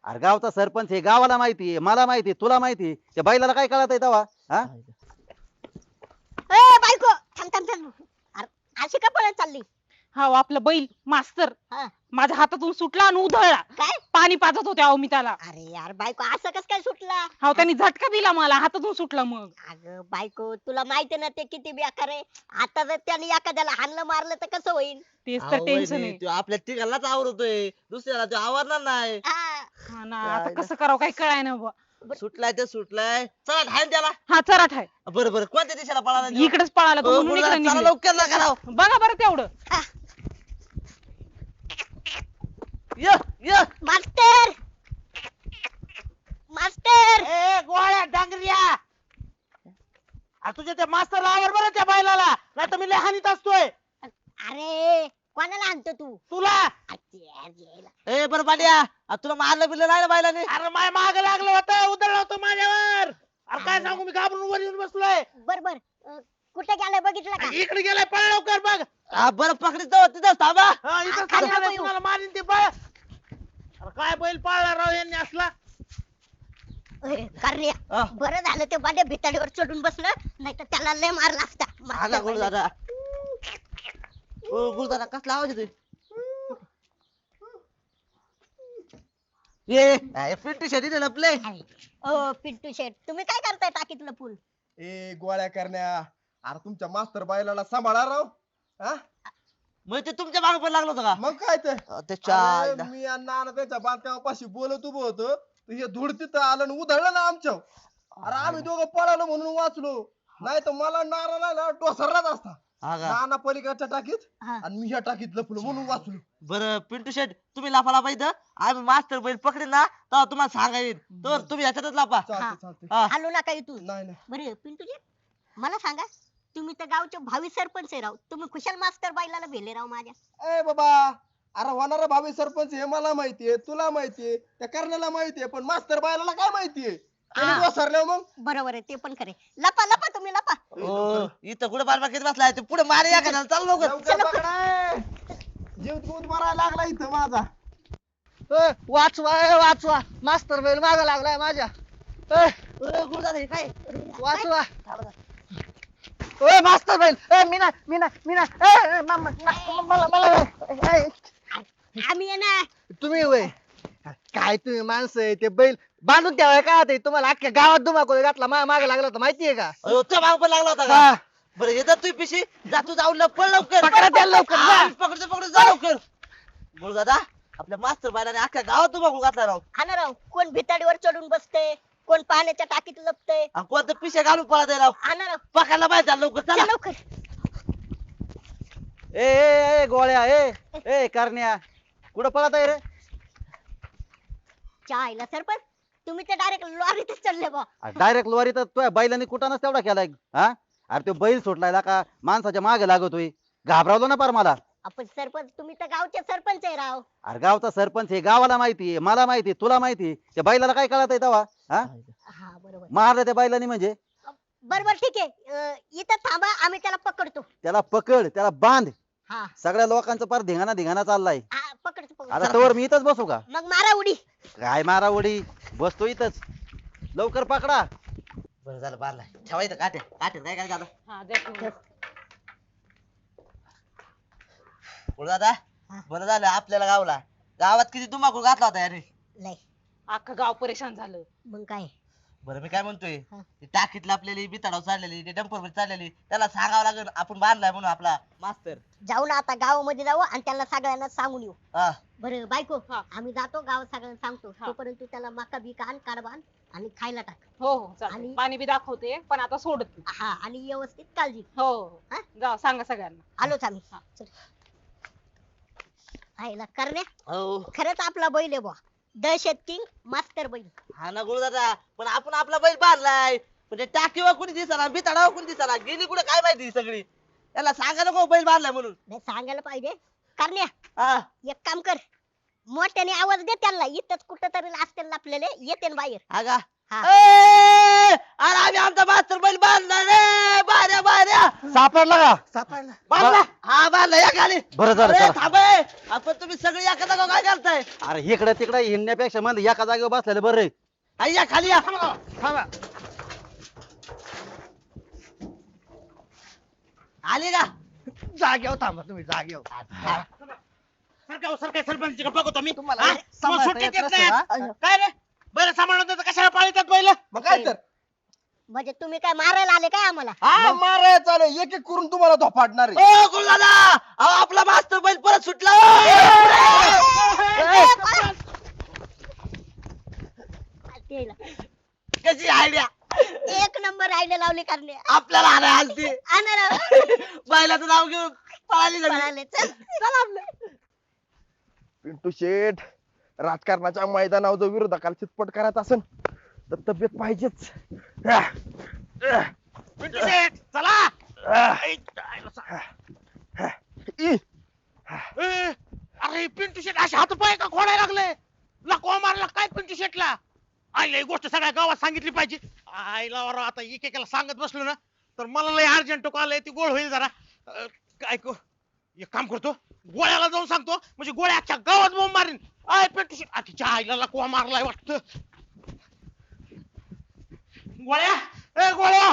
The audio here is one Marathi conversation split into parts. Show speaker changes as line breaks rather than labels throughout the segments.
अरे गावचा सरपंच हे गावाला माहिती आहे, मला माहिती आहे, तुला माहिती आहे. त्या बैलाला काय कळत आहे तेव्हा? हा
ए बायको थांब थांब थांब अरे अशी का पळत चालली
हा आपला बैल मास्तर
हा
माझ्या हातातून सुटला आणि उधळला.
काय
पाणी पाजत होते अहो मी त्याला.
अरे यार बायको असं कस काय सुटला
हा त्यांनी झटका दिला मला हातातून सुटला मग.
अगं बायको तुला माहिती ना ते किती बेकार आहे आता जर त्याने एखाद्याला हाणलं मारलं तर कसं होईल
तेच तर
अहो
टेन्शन
वहिनी,
आहे.
त्यो आपल्या तिघांनाच आवडतोय, दुसऱ्याला तो आवडणार नाही.
हा,
हा ना आता कसं करावं काही कळाय ना बुवा.
सुटलाय ते सुटलाय, चला ढाल त्याला.
हा चराठ आहे.
बरं बरं, कोणत्या दिशेला पळाला त्यो?
इकडेच पळाला तो
हो,
म्हणून
गुरुदादा,
इकडे
चला
निघले.
लवकर ना करावं.
बघा बरं तेवढं.
य य
मास्टर मास्टर
ए गोळ्या डांगरिया तुझ्या त्या मास्तर आवर बरं त्या बैलाला, नाही तर मी लय हानीत असतोय
अरे कोणाला आणतो तू
तुला.
ए बरं पांड्या, तुला मारलं बिरलं नाही ना बायलाने?
अरे माय माग लागलं होतं, उधळलं होतं माझ्यावर. अरे काय सांगू, मी घाबरून वर येऊन बसलोय.
बर बर कुठे गेलाय बघितलं का
इकडे गेलाय, पळ लवकर बघ.
बरं पकडतो तिथं थांबा.
हा, इथं
खाली
थांबलेलं आहे,
नको
तुम्हाला मारीन ते पळ. अरे काय बैल पाळला राव यांनी असला.
करण्या
हा.
बरं झालं ते बाड्या भिताडीवर चढून बसलं नाही तर त्याला लय मारला असता
आला
मास्तर
गुरुदादा. ओ गुरुदादा, कसला आवाज येतोय? ये पिंटू शेती लपले.
ओ पिंटू शेठ तुम्ही काय करताय टाकीतलं फुल
ए गोळ्या करण्या, अरे तुमच्या मास्तर बायलाला सांभाळा राव. हा
मग ते तुमच्या मागे पण लागलं होतं का?
मग काय ते
त्याच्या
अरे, मी आणि नाना त्याच्या बांधकामापाशी बोलत उभं होतो, तर हे धूळ तिथं आलं आणि उधळलं ना आमच्या. अरे आम्ही दोघं पळालो म्हणून वाचलो, नाही तर मला नाराला ना टोसरलाच असता.
हा का?
नाना पलीकडच्या टाकीत
हा.
आणि मी ह्या टाकीत लपलो म्हणून वाचलो.
बरं पिंटू शेट, तुम्ही लाफा लाफा इथं, आम्ही मास्टर बैल पकडे ना तेव्हा तुम्हाला सांगायला तर तुम्ही याच्यातच लाफा.
चालते चालते.
हा.
आलो नका इथून
नाही नाही
बरं पिंटू शेठ मला सांगा तुम्ही तर गावचे भावी सरपंच आहे राव तुम्ही खुशाल मास्तर बाईला भेले राव माझ्या
ए बाबा, अरे होणारा भावी सरपंच हे मला माहितीये, तुला माहितीये, त्या करण्याला माहितीये, पण मास्तर बायलाला काय माहितीये?
हा.
वसरल्या मग
बरोबर आहे ते पण खरे लपा लपा तुम्ही लपा
ओ, इथं कुठे बार घेत बसलाय ते पुढे मारे या का चाल लवकर.
लवकर पकडा. जीव दूध मारायला लागला इथं माझा.
वाचवा वाचवा, मास्तर बैल माग लागलाय माझ्या.
गुरुदादा हे काय?
वाचवा ओय मास्तर बैल. मीना मीना मीना मला
आम्ही आहे ना
तुम्ही होय काय तुम्ही माणसं आहे ते बैल बांधून ठेवाय का ते तुम्हाला अख्ख्या गावात धुमाकूळ घातला मागे लागला होता माहितीये का?
अयो, त्या मागे पण लागला होता
हा.
का? बरं येतात तू पिशी, जा तू जाऊन पळ लवकर.
पकडा त्याला लवकर, जा.
हा, पकडतो पकडतो, जा लवकर. गुरुदादा, आपल्या मास्तर बायलाने अख्ख्या गावात तुम्हाला घातला राव.
हा ना राव कोण भिताडीवर चढून बसते कोण पाण्याच्या टाकीत लपतय
आणि कोणतं पिशे घालून पळत आहे राव.
हा ना राव
पकडला पाहिजे, चला लवकर
चला
चला.
लवकर
ए गोळ्या ए करण्या, कुठं पळत आहे रे?
चायला सरपंच तुम्ही तर डायरेक्ट लॉरीतच चढले बा
डायरेक्ट लोवारी तर तुझ्या बैलाने कुठानच तेवढा केलाय. हा अरे तो बैल सुटलाय का माणसाच्या मागे लागतोय, घाबरावलो ना पार मला.
आपण सरपंच तुम्ही तर गावचे सरपंच आहे राव
अरे गावचा सरपंच हे गावाला माहिती आहे, मला माहिती आहे, तुला माहिती आहे. त्या बैलाला काय कळत आहे तेव्हा? हा
हा बरोबर
मारलं त्या बैलाने म्हणजे?
बरोबर ठीक आहे इथं थांबा आम्ही त्याला पकडतो
त्याला पकड, त्याला बांध.
हा
सगळ्या लोकांचं पार धिंगाणा चाललाय.
हा पकडतो
आता
पकडतो
तोवर मी इथंच बसू का?
मग मारा उडी
काय मारा उडी, बसतो इथंच. लवकर पकडा.
बरं झालं बारला ठेवायचं काट्या काट्यात काय काय झालं.
हा द्या ठेवून.
गुरुदादा,
हा.
बरं झालं आपल्याला गावला, गावात किती धुमाकूळ घातला होता याने.
नाही
अख्खं गाव परेशान झालं.
मग काय
बरं मी काय म्हणतोय,
हा.
ते टाकीत लपलेली बिताडाव चाललेली ते डंपर चाललेली त्याला सांगावं लागेल आपण बांधलाय म्हणून आपला मास्तर.
जाऊ ना आता गावामध्ये जाऊ आणि त्याला सगळ्यांना सांगून येऊ
हा.
बरं बायको
हा.
आम्ही जातो गावात सगळ्यांना सांगतो
हा.
तोपर्यंत तू त्याला मका बिका आण काढ बांध आणि खायला टाक
हो हो चालेल.
आणि-
पाणी बी दाखवते पण आता सोडत नाही.
हा आणि व्यवस्थित काळजी घे.
हो हो.
हा?
जा सांगा सगळ्यांना.
आलोच आम्ही
हा.
चल. आईला करण्या
हो
खरंच आपला बैल आहे बुवा दहशत किंग मास्टर बैल
हा ना गुरुदादा, पण आपण आपला बैल बांधलाय, पण ते टाकीवर कोणी दिसना बिताडावर कोणी दिसना गेली कुठे काय माहिती सगळी. त्याला सांगा नको बैल बांधलाय म्हणून.
नाही सांगायला पाहिजे करण्या
हा
एक काम कर मोठ्याने आवाज दे त्यांना इथंच कुठं तरी असतील आपल्याला येते ना बाहेर
हा का?
हा.
अरे आम्ही आमचा मास्तर बैल बांधला रे बाऱ्या बाऱ्या
सापडला का
सापडला
बांधला हा बांधला या खाली
बरं झालं
अरे
चला.
थांब ए. आपण तुम्ही सगळे एका जागा काय करताय
अरे इकडे तिकडे हिंडण्यापेक्षा म्हणजे एका जागेवर बसलेलं बरं आहे.
हा, या खाली या
थांबा
आली का
जागेवर थांबा तुम्ही जागेवर
सरपंच बघतो मी
तुम्हाला
हा?
सांभाळता
तुम्हाला सुट्टी
येत
देत
नसेल,
नाही
हा?
आज. काय रे बरं सांभाळून देतं, कशाला पाळतात पहिलं
मग काय तर
म्हणजे तुम्ही काय मारायला आले काय आम्हाला
हा मारायला चालेल एक एक करून तुम्हाला धोपाडणार आहे
ओ गुरुदादा अहो आपला मास्तर बैल परत सुटला
तेला.
कशी आयडिया
एक नंबर आयडिया लावली करणे
आपल्याला आणाय आलती बैलाचं नाव घेऊन पळाली सगळी.
पळाले चल आपलं
पिंटू शेठ राजकारणाच्या मैदानावर जो विरोधकाला चितपट करायचा असेल तर तब्येत पाहिजेच
पिंटू शेठ, चला
ई,
ए, अरे पिंटू शेठ असे हात पाय का खोडायला लागले लकवा मारला काय पिंटू शेठला आईला ही गोष्ट सगळ्या गावात सांगितली पाहिजे आईला वरा आता एकेकाला सांगत बसलो ना तर मला लय अर्जंट कॉल आहे ती गोळ होईल जरा काय एक काम करतो गोळ्याला जाऊन सांगतो म्हणजे गोळ्या अख्ख्या गावात बोंब मारीन आय पिंटू शेठ तिच्या आईला लकवा मारलाय वाटतं गोळ्या ए गोळ्या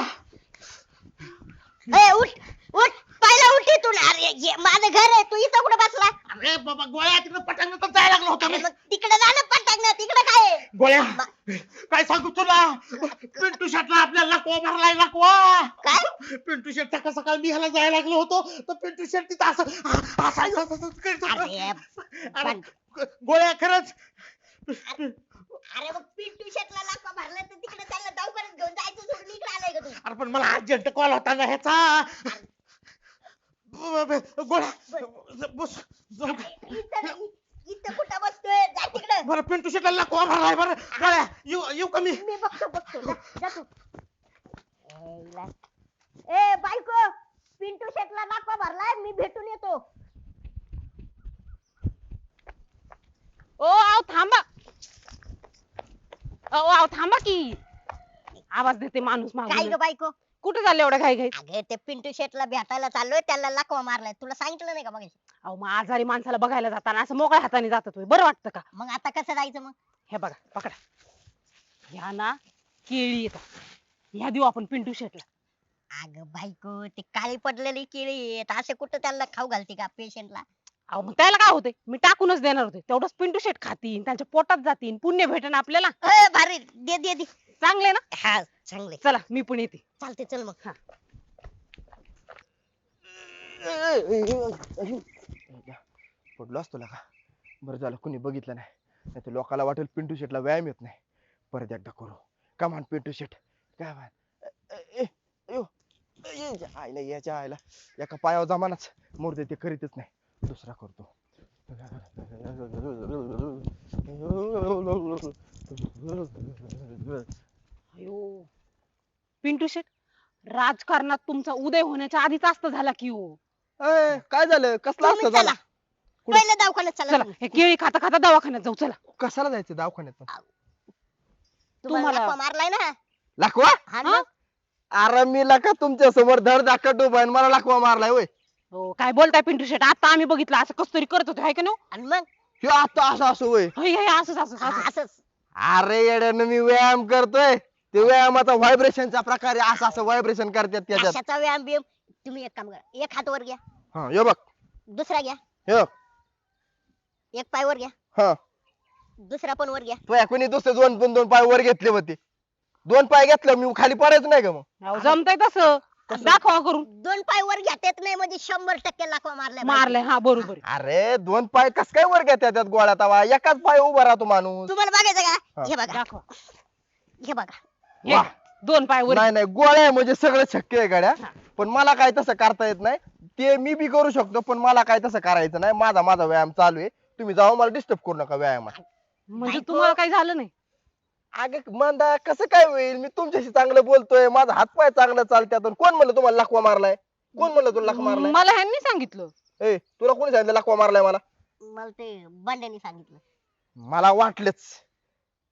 ए उठ उठ पहिला उठ इथून अरे माझं घर आहे तू इथं कुठे बसला
अरे बाबा गोळ्या तिकडे पटांगण तर जायला लागलो होतो
अरे
मी
मग तिकडे जाणं पटांगण तिकडे काय आहे?
गोळ्या काय सांगू तुला पिंटू शेटला आपल्याला लकवा मारलाय लकवा
काय
पिंटू शेट सकाळ सकाळ मी ह्याला जायला लागलो होतो तर पिंटू शेट तिथं असं करत होता.
अरे
अरे गोळ्या खरंच
अरे मग पिंटू शेटला लाका भरला तर तिकडे त्याला दवाखान्यात घेऊन जायचं सोडून इकडे आलाय का तू
अरे पण मला अर्जंट कॉल होता ना ह्याचा गोळ्या बस जाऊ दे.
इथं नाही, इथं कुठं बसतोय जा तिकडे
बरं पिंटू शेटला लकवा मारलाय बरं गोळ्या येऊ का मी
मी बघतो जा तू ए बायको पिंटू शेटला लाका भरलाय मी भेटून येतो
ओ आव थांबा आव थांबा की आवाज देते माणूस
काय
मागून
ग बायको
कुठे चालले एवढ्या घाई घाई
अगे ते पिंटू शेटला भेटायला चाललोय त्याला लाकवा मारलाय तुला सांगितलं नाही का मग
अहो मग आजारी माणसाला बघायला जाताना असं मोकळ्या हाताने जातात होय. बरं वाटतं का
मग आता कसं जायचं मग
हे बघा पकडा ह्या ना केळी येतात ह्या देऊ आपण पिंटू शेटला
अग बायको ते काळी पडलेली केळी आहेत असे कुठं त्याला खाऊ घालते का पेशंटला
अहो मग त्याला काय होते मी टाकूनच देणार होते तेवढंच पिंटू शेट खातील त्यांच्या पोटात जातील पुण्य भेटेन आपल्याला
भारी दे दे दे
चांगले ना
हा चांगले
चला मी पण येते
चालते चल मग
हा
पडलो असतो का बरं झालं कुणी बघितलं नाही तर लोकाला वाटेल पिंटू शेटला व्यायाम येत नाही परत एकदा करू कमान पिंटू शेट काय आईला याच्या आईला एका पायावर जमानाच मोरते ते करीतच नाही दुसरा करतो
अयो पिंटू शेट राजकारणात तुमचा उदय होण्याच्या आधीच असत झाला की हो
काय झालं कसला
तुम्ही
असतं
चला
झाला कुठं?
पहिलं दवाखान्यात चला
चला
तुम्ही.
हे केळी खाता खाता दवाखान्यात जाऊ चला
कशाला जायचं दवाखान्यात
तुम्हाला
तुम्हाला-
लाकवा मारलाय ना
लाखवा
हा ना?
अरे मी लका तुमच्या समोर धड धाकट उभा आहे आणि मला लाखवा मारलाय होय
हो काय बोलताय पिंटू शेट आता आम्ही बघितलं असं कस तरी करत होतो हाय का नो
आणि मग
हे आता असं असं होय
असंच असंच असंच.
असंच
अरे येड्यानं मी व्यायाम करतोय ते व्यायामाचा व्हायब्रेशनचा प्रकार आहे असं असं व्हायब्रेशन करतात त्याच्यात
कशाचा व्यायाम बियाम तुम्ही एक काम करा एक हात वर घ्या
हा हे बघ
दुसरा घ्या
हे बघ.
एक पाय वर घ्या
हा
दुसरा पण वर घ्या
तो कोणी दुसरे दोन पाय वर घेतले होते 2 पाय घेतलं मी खाली पडायचं नाही का मग
अहो, जमतंय तसं दाखवा करून
2 पाय वर घेता येत नाही म्हणजे 100% लाकवा मारलाय
मारलंय हा बरोबर आहे.
अरे 2 पाय कस काय वर घेतात त्यात गोळ्या तवा एकाच पाय उभा राहतो माणूस
तुम्हाला बघायचं
हा.
का हे बघा
दाखवा
हे बघा
हे,
वा.
2 पाय वर
नाही नाही गोळ्या आहे म्हणजे सगळं शक्य आहे गाड्या पण मला काय तसं करता येत नाही ते मी बी करू शकतो पण मला काय तसं करायचं नाही माझा व्यायाम चालू आहे तुम्ही जाऊ मला डिस्टर्ब करू नका व्यायामात
म्हणजे तुम्हाला काही झालं नाही
अगं मंदा कसं काय होईल मी तुमच्याशी चांगलं बोलतोय माझा हातपाय चांगलं चालत्यात आणि कोण म्हणलं तुम्हाला लकवा मारलाय कोण म्हणलं तुला लकवा मारलाय
मला ह्यांनी सांगितलं
ए तुला कोणी सांगितलं लकवा मारलाय मला
मला ते बंड्याने सांगितलं
मला वाटलंच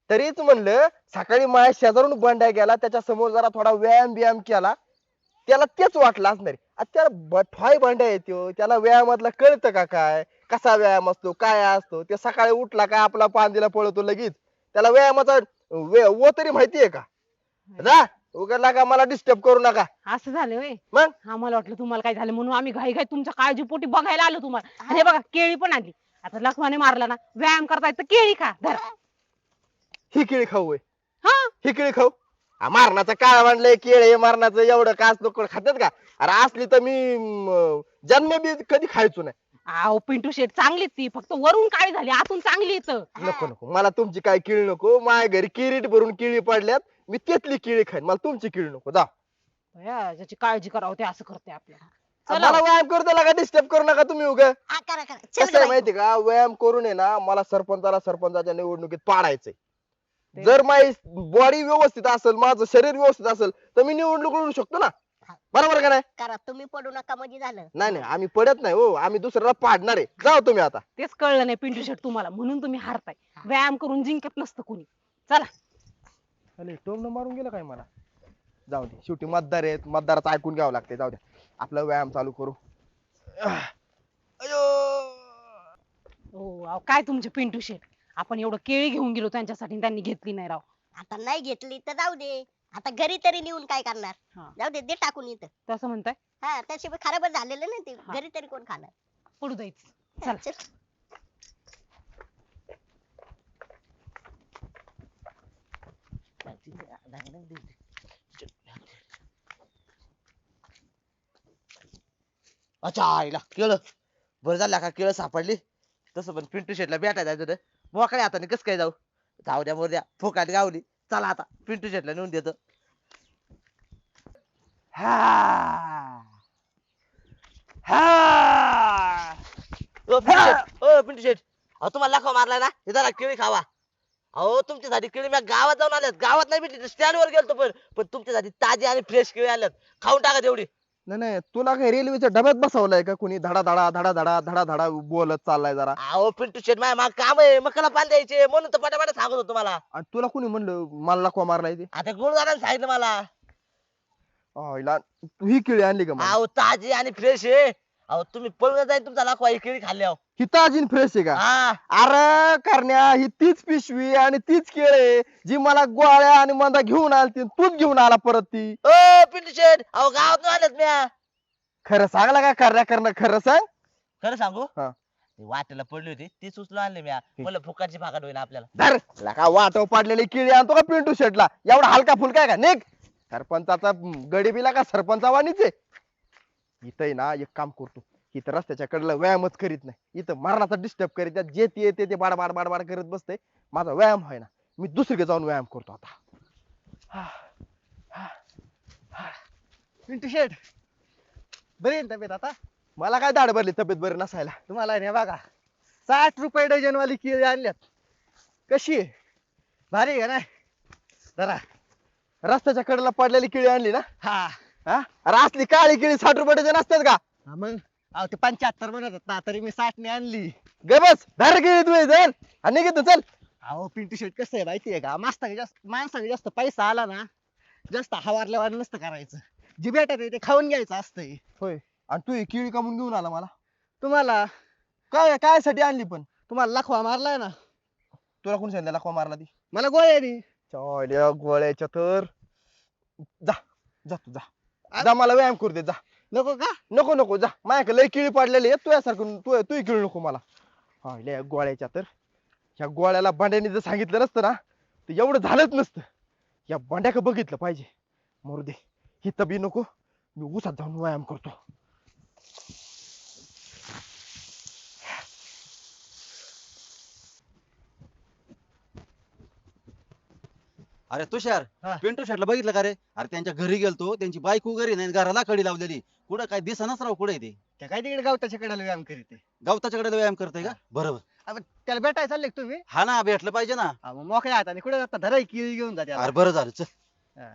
तरीच म्हणलं सकाळी माझ्या शेजारून बंड्या गेला त्याच्या समोर जरा थोडा व्यायाम केला त्याला तेच वाटलं असणार आहे. आता त्याला बठवाय बंड्या येतो त्याला व्यायामातलं कळतं का काय कसा व्यायाम असतो काय असतो ते सकाळी उठला काय आपला पांदीला पळतो लगेच त्याला व्यायामाचा वो तरी माहितीये का जा उघडला का मला डिस्टर्ब करू नका
असं झालं होय.
मग
आम्हाला वाटलं तुम्हाला काय झालं म्हणून आम्ही घाई घाई तुमच्या काळजीपोटी बघायला आलो तुम्हाला. आणि हे बघा केळी पण आली. आता लखमाने मारला ना व्यायाम करता येतं केळी खा धरा.
ही केळी खाऊ होय.
हा
ही केळी खाऊ मारणाचं काय म्हणलंय केळे मारणाचं एवढं काच लोक खातात का अरे असली तर मी जन्म बी कधी खायचो नाही
अहो पिंटू शेट चांगलीच ती फक्त वरून काळी झाली आतून चांगली येतं.
नको नको मला तुमची काय केळी नको माझ्या घरी किरीट भरून केळी पडल्यात मी त्यातली केळी खाईन मला तुमची केळी नको जा
ज्याची काळजी करावं ते असं करते आपल्याला.
मला व्यायाम करतो का डिस्टर्ब करू नका तुम्ही उगा
हा करा करा चल
कसं आहे
ग
माहिती का व्यायाम करून आहे ना मला सरपंचाच्या निवडणुकीत पाडायचंय
ते-
जर माझी बॉडी व्यवस्थित असेल माझं शरीर व्यवस्थित असेल तर मी निवडणूक लढू शकतो ना बरोबर का नाही
करा तुम्ही पडू नका म्हणजे झालं.
नाही नाही आम्ही पडत नाही हो आम्ही दुसऱ्याला पाडणार आहे जाओ तुम्ही आता
तेच कळलं नाही पिंटू शेट तुम्हाला म्हणून तुम्ही हारताय. व्यायाम करून जिंकत नसतं कुणी. चला
अरे टोमनं मारून गेलं काय मला जाऊ दे शेवटी मतदार आहेत मतदाराचं ऐकून घ्यावं लागते जाऊ द्या आपला व्यायाम चालू करू अयो
हो अहो, काय तुमचे पिंटू शेट आपण एवढं केळी घेऊन गेलो त्यांच्यासाठी आणि त्यांनी घेतली नाही राव.
आता नाही घेतली तर जाऊ दे आता घरी तरी नेऊन काय करणार
हा.
जाऊ दे दे टाकून इथं.
तसं म्हणताय
हा त्याशिवाय खराबच झालेलं ना ते
हा.
घरी तरी कोण खाणार.
पडू द्यायचं. चला
चल.
अच्छा आईला केळं बरं झालं का केळं सापडली तसं पण पिंटू शेटला भेटायला जायचं होतं मोकळ्या हाताने कसं काय जाऊ जाऊ द्या मोर द्या फोकाट गावली चला आता पिंटू शेटला नेऊन देतो ओ पिंटू शेट अहो तुम्हाला लाखो मारला ना हे जरा केळी खावा अहो तुमच्यासाठी केळी मी गावात जाऊन आल्यात गावात नाही भेटली स्टँड वर गेलतो पण तुमच्यासाठी ताजी आणि फ्रेश केळी आल्यात खाऊन टाका तेवढी
नाही नाही तुला काय रेल्वेच्या डब्यात बसवलाय का कोणी धडा धडा धडा धडा धडा धडा बोलत चाललाय जरा
अहो पिंटू शेट माझ्या माग काम आहे मकाला पाणी द्यायचे म्हणून तर पटापट सांगत होतो तुम्हाला
आणि तुला कोणी म्हणलं मला लकवा मारलाय ते
आता गुरुदाराने सांगितलं मला
आईला तू ही केळी आणली का मग
अहो ताजी आणि फ्रेश आहे अहो तुम्ही पळून जाईल तुमचा लाखवा ही केळी खाल्ल्यावर
ही ताजी फ्रेश आहे का
हा
अरे करण्या ही तीच पिशवी आणि तीच केळे जी मला गोळ्या आणि मंदा घेऊन आलती तूच घेऊन आला परत ती
ओ पिंटू शेट अहो गावात आल्यात म्या
खरं सांगला का करण्या करणं खरं सांग
खरं सांगू
हा.
ती वाटेला पडली होती ती उचलून आणली म्या मला फुकाची भागात होईल आपल्याला
धर लका वाटव पाडलेली केळी आणतो का पिंटू शेटला एवढा हलका फुलका आहे का निघ सरपंचाचा गडीबीला का सरपंचावानीच आहे इथं आहे ना एक काम करतो इथं रस्त्याच्या कडेला व्यायामच करीत नाही इथं मरणाचा डिस्टर्ब करीत आहे. जे ते येते ते बाड बाड बाड बाड करत बसते माझा व्यायाम आहे ना मी दुसरीकडे जाऊन व्यायाम करतो आता
पिंटू शेट बरी आहे ना तब्येत आता
मला काय दाढ भरली तब्येत बरी नसायला
तुम्हाला नाही बघा 60 रुपये डझन वाली केळी आणल्यात
कशी आहे
भारी आहे का नाही जरा
रस्त्याच्या कडेला पडलेली केळी आणली ना
हा
हा अरे असली काळी केळी 60 रुपये डझन असतात का
हा मग अहो ते 75 म्हणत होता तरी मी 60 ने आणली
गे बस धर केळी तू जर आणि निघतो चल
अहो पिंटू शेट कसं आहे माहितीये का माणसाने जास्त पैसा आला ना जास्त हवारल्यावर नसतं करायचं जी भेटत ते खाऊन घ्यायचं असतंय
होय आणि तू ही केळी कामून घेऊन आला मला
तुम्हाला
काय काय साठी आणली पण
तुम्हाला लखवा मारलाय ना
तुला कोण सांगितलं लकवा मारला ती
मला गोळ्यानी
चॉल्या गोळ्याच्या तर जा जा तू जा जा मला व्यायाम करू दे जा
नको का
नको नको जा माझ्याकडे लय किळी पडलेली आहे तुझ्यासारखं तू किळी नको मला हा लय गोळ्याच्या तर ह्या गोळ्याला भांड्याने जर सांगितलं नसतं ना तर एवढं झालंच नसतं या भांड्याक बघितलं पाहिजे मरू दे ही तबी नको मी उसात जाऊन व्यायाम करतो
अरे तुषार
हा.
पिंटू शेटला बघितलं का रे अरे त्यांच्या घरी गेलतो त्यांची बायको घरी नाही घराला कडी लावलेली कुठं काय दिसनाच राव कुठे ते
त्या काय तिकडे गावताच्या कडेला व्यायाम करीत
गवताच्याकडे व्यायाम करते का बरोबर
आहे त्याला भेटायला चालले का तुम्ही
हा ना भेटलं पाहिजे ना
हा, मग मोकळ्या हाताने कुठे जाता धराई केळी घेऊन जा त्याला.
अरे बरं झालं चल
हा.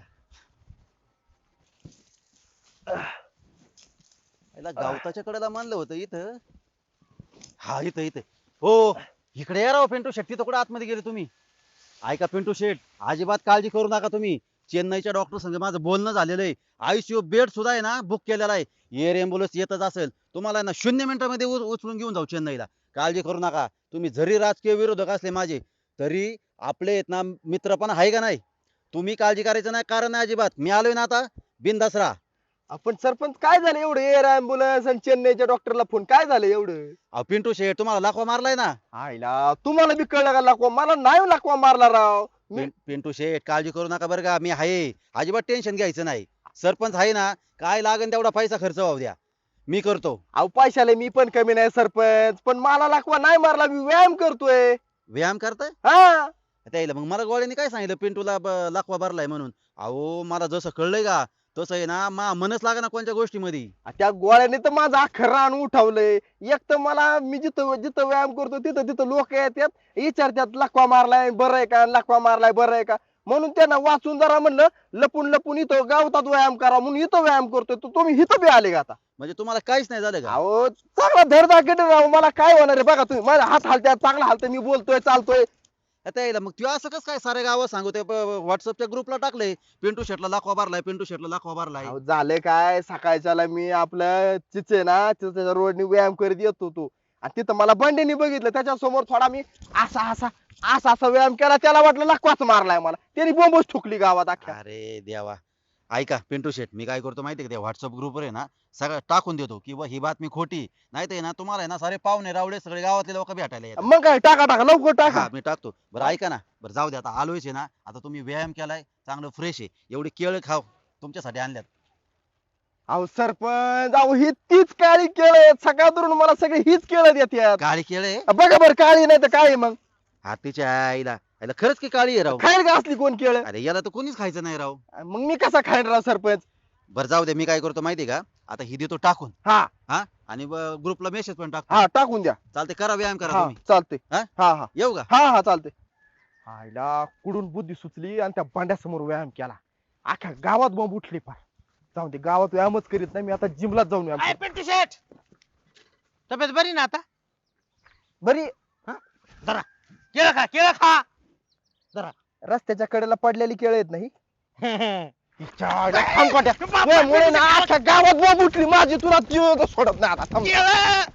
याला गवताच्या कडेला मानलं होतं इथं हा इथं इथं हो इकडे या राव पिंटू शेट्टी तर कुठं आतमध्ये गेले तुम्ही ऐका पिंटू शेठ, अजिबात काळजी करू नका तुम्ही. चेन्नईच्या डॉक्टर संग माझं बोलणं झालेलं आहे. आयसीयू बेड सुद्धा आहे ना बुक केलेला आहे. एअर एम्ब्युलन्स येतच असेल, तुम्हाला आहे ना 0 मिनिटामध्ये उचलून घेऊन जाऊ चेन्नईला. काळजी करू नका. तुम्ही जरी राजकीय विरोधक असले माझे, तरी आपले आहेत ना मित्र पण आहे का नाही. तुम्ही काळजी करायचं नाही, कारण नाही अजिबात. मी आलोय ना आता, बिनधास्त राहा.
आपण सरपंच काय झालं एवढं एअर अँब्युलन्स आणि चेन्नईच्या डॉक्टरला फोन काय झालं एवढं?
अहो पिंटू शेठ, तुम्हाला लाखवा मारलाय ना.
आईला तुम्हाला बी कळलं का लाकवा? मला नाही लाकवा मारला राव.
पिंटू शेठ, काळजी करू नका बरं का. मी आहे, अजिबात टेन्शन घ्यायचं नाही. सरपंच आहे ना, काय लागेल तेवढा पैसा खर्च होऊ द्या, मी करतो.
अहो पैशाला मी पण कमी नाही सरपंच, पण मला लाकवा नाही मारला, मी व्यायाम करतोय.
व्यायाम करताय
हा
त्याला. मग मला गोळ्याने काय सांगितलं पिंटूला लाखवा भरलाय म्हणून. अहो मला जसं कळलंय का तसं आहे ना, मनच लागा ना कोणत्या गोष्टीमध्ये.
त्या गोळ्याने तर माझं अख्खं रान उठवलंय. एक तर मला मी जिथं जिथं व्यायाम करतो तिथं तिथं लोक येतात विचारतात लाकवा मारलाय बरं आहे का, लाकवा मारलाय बरं आहे का. म्हणून त्यांना वाचून जरा म्हणलं लपून लपून इथं गावतात व्यायाम करा म्हणून इथं व्यायाम करतोय. तर तुम्ही इथं बी आले का आता?
म्हणजे तुम्हाला काहीच नाही झालं का?
अहो चांगला धडधाकट राव, मला काय होणार आहे बघा तुम्ही. माझा हात हालत्यात, चांगला हालतोय, मी बोलतोय चालतोय.
त्याला मग तू असं कसं काय सारे गावात सांगतोय, व्हॉट्सअपच्या ग्रुपला टाकलंय पिंटू शेटला लाखवा भरलाय, पिंटू शेटला लाखवा भरलाय.
अहो, झालं काय, सकाळच्याला मी आपलं चिचे ना चिचेच्या रोडनी व्यायाम करीत येत होतो आणि तिथं मला बंडेनी बघितलं. त्याच्या समोर थोडा मी असा असा असा असा व्यायाम केला, त्याला वाटलं लाकवाच मारलाय मला. त्याने बोंबच ठोकली गावात अख्ख्या.
अरे देवा. ऐका पिंटू शेट, मी काय करतो माहितीये का, त्या व्हॉट्सअप ग्रुपवर आहे ना सगळं टाकून देतो की ही बातमी खोटी नाही ते ना, तुम्हाला आहे ना सारे पाहुणे रावडे सगळे गावातले लोक भेटायला येतात.
मग काय, टाका टाका लवकर टाका.
हा मी टाकतो. बरं ऐका ना, बरं जाऊ दे आता, आलोयच आहे ना. आता तुम्ही व्यायाम केलाय, चांगलं फ्रेश आहे, एवढी केळ खाव, तुमच्यासाठी आणल्यात.
अहो सरपंच, अहो ही तीच काळी केळ आहेत. सकाळ धरून मला सगळे हीच केळ देतात.
काळी केळ आहे?
बघा बरं, काळी नाही तर काय आहे मग?
हातीच्या आईला आईला खरंच की काळी आहे राव.
खाईल का असली कोण केळ?
अरे याला तर कोणीच खायचं नाही राव.
मग मी कसा खाईन राव सरपंच?
बरं जाऊ दे, मी काय करतो माहितीये का, आता ही देतो टाकून.
हा
हा आणि ग्रुपला मेसेज पण टाकतो.
हा टाकून द्या.
चालते, करा व्यायाम करा
हा
तुम्ही.
चालते.
हा?
हा हा
येऊ का?
हा हा चालते. आईला कुडून बुद्धी सुचली आणि त्या भांड्यासमोर व्यायाम केला. अख्ख्या गावात बॉम्ब उठली फार. जाऊन दे, गावात व्यायामच करीत नाही मी, आता जिमलाच जाऊन व्यायाम
काय
करतो.
पिंटू शेठ, तब्येत बरी ना आता?
बरी
जरा केळं खा, केळं खा.
रस्त्याच्या कडेला पडलेली केळ येत नाही.
बाप रे,
मुळे ना अख्ख्या गावात बॉम्ब उठली माझी, तुला ती सोडत नाही आता. थांब.
केळं